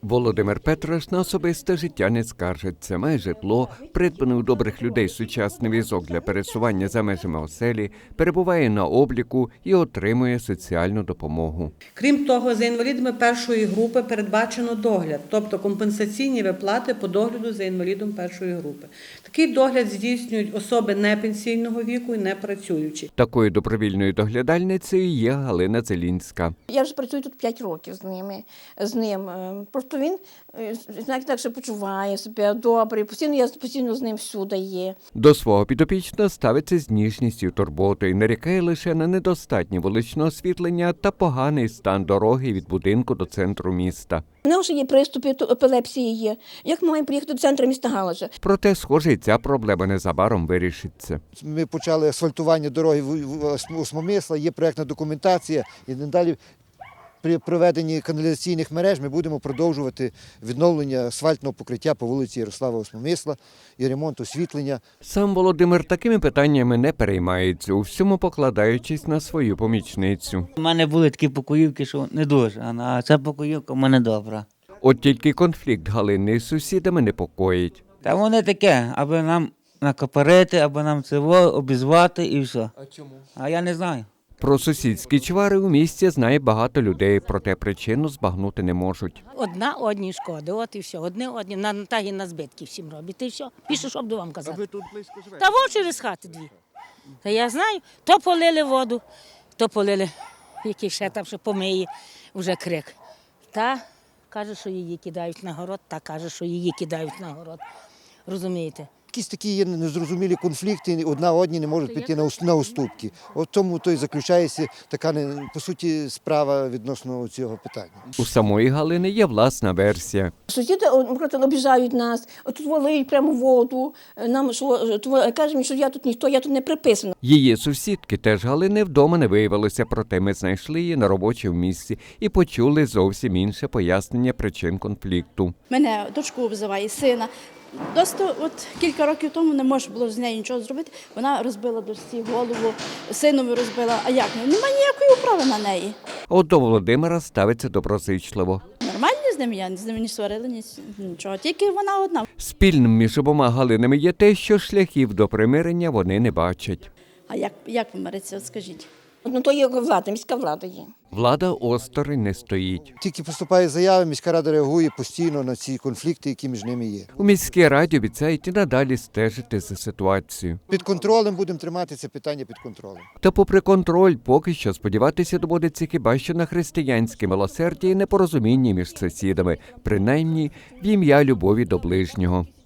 Володимир Петраш на особисте життя не скаржиться. Має житло, придбаний у добрих людей сучасний візок для пересування за межами оселі, перебуває на обліку і отримує соціальну допомогу. Крім того, за інвалідами першої групи передбачено догляд, тобто компенсаційні виплати по догляду за інвалідом першої групи. Такий догляд здійснюють особи непенсійного віку і непрацюючі. Такою добровільною доглядальницею є Галина Зелінська. Я вже працюю тут 5 років з ним. Просто він, знаєте, так, що почуває себе добре, постійно з ним всюди є. До свого підопічного ставиться з ніжністю і турботою, нарікає лише на недостатнє вуличне освітлення та поганий стан дороги від будинку до центру міста. У нього вже є приступи епілепсії є. Як маємо приїхати до центру міста Галича? Проте, схоже, і ця проблема незабаром вирішиться. Ми почали асфальтування дороги в Осмомисла, є проєктна документація і надалі при проведенні каналізаційних мереж ми будемо продовжувати відновлення асфальтного покриття по вулиці Ярослава Осмомисла і ремонт освітлення. Сам Володимир такими питаннями не переймається, у всьому покладаючись на свою помічницю. У мене були такі покоївки, що не дуже, а ця покоївка в мене добра. От тільки конфлікт Галини із сусідами непокоїть. Та вони таке, аби нам накопарити, аби нам це обізвати і все. А чому? А я не знаю. Про сусідські чвари у місті знає багато людей, проте причину збагнути не можуть. Одна одній шкоди, от і все. Одне одні на збитки всім робить, і все. Більше, що б вам казати. А ви тут близько живете? Та во через хати дві. Та я знаю, то полили воду, то полили, який ще там ще помиє, вже крик. Та каже, що її кидають на город, та каже, що її кидають на город. Розумієте? Якісь такі є незрозумілі конфлікти, одна одній не можуть піти на уступки. От тому то й заключається така, по суті, справа відносно цього питання. У самої Галини є власна версія. Сусіди, наприклад, обіжають нас, тут валиють прямо воду, нам кажуть, що я тут ніхто, я тут не приписана. Її сусідки теж Галини вдома не виявилося, проте ми знайшли її на робочому місці і почули зовсім інше пояснення причин конфлікту. Мене дочку обзиває, сина. Досить кілька років тому не можна було з нею нічого зробити. Вона розбила дочці голову, синові розбила. А як? Немає ніякої управи на неї. От до Володимира ставиться доброзичливо. Нормально з ними, я з ними не сварила, нічого. Тільки вона одна. Спільним між обома Галинами є те, що шляхів до примирення вони не бачать. А як помиритися, от скажіть? Ну, то є влада, міська влада є. Влада осторонь не стоїть. Тільки поступає заява, міська рада реагує постійно на ці конфлікти, які між ними є. У міській раді обіцяють і надалі стежити за ситуацією. Під контролем будемо тримати це питання під контролем. Та попри контроль, поки що сподіватися доводиться хіба що на християнське милосердя і непорозуміння між сусідами, принаймні в ім'я любові до ближнього.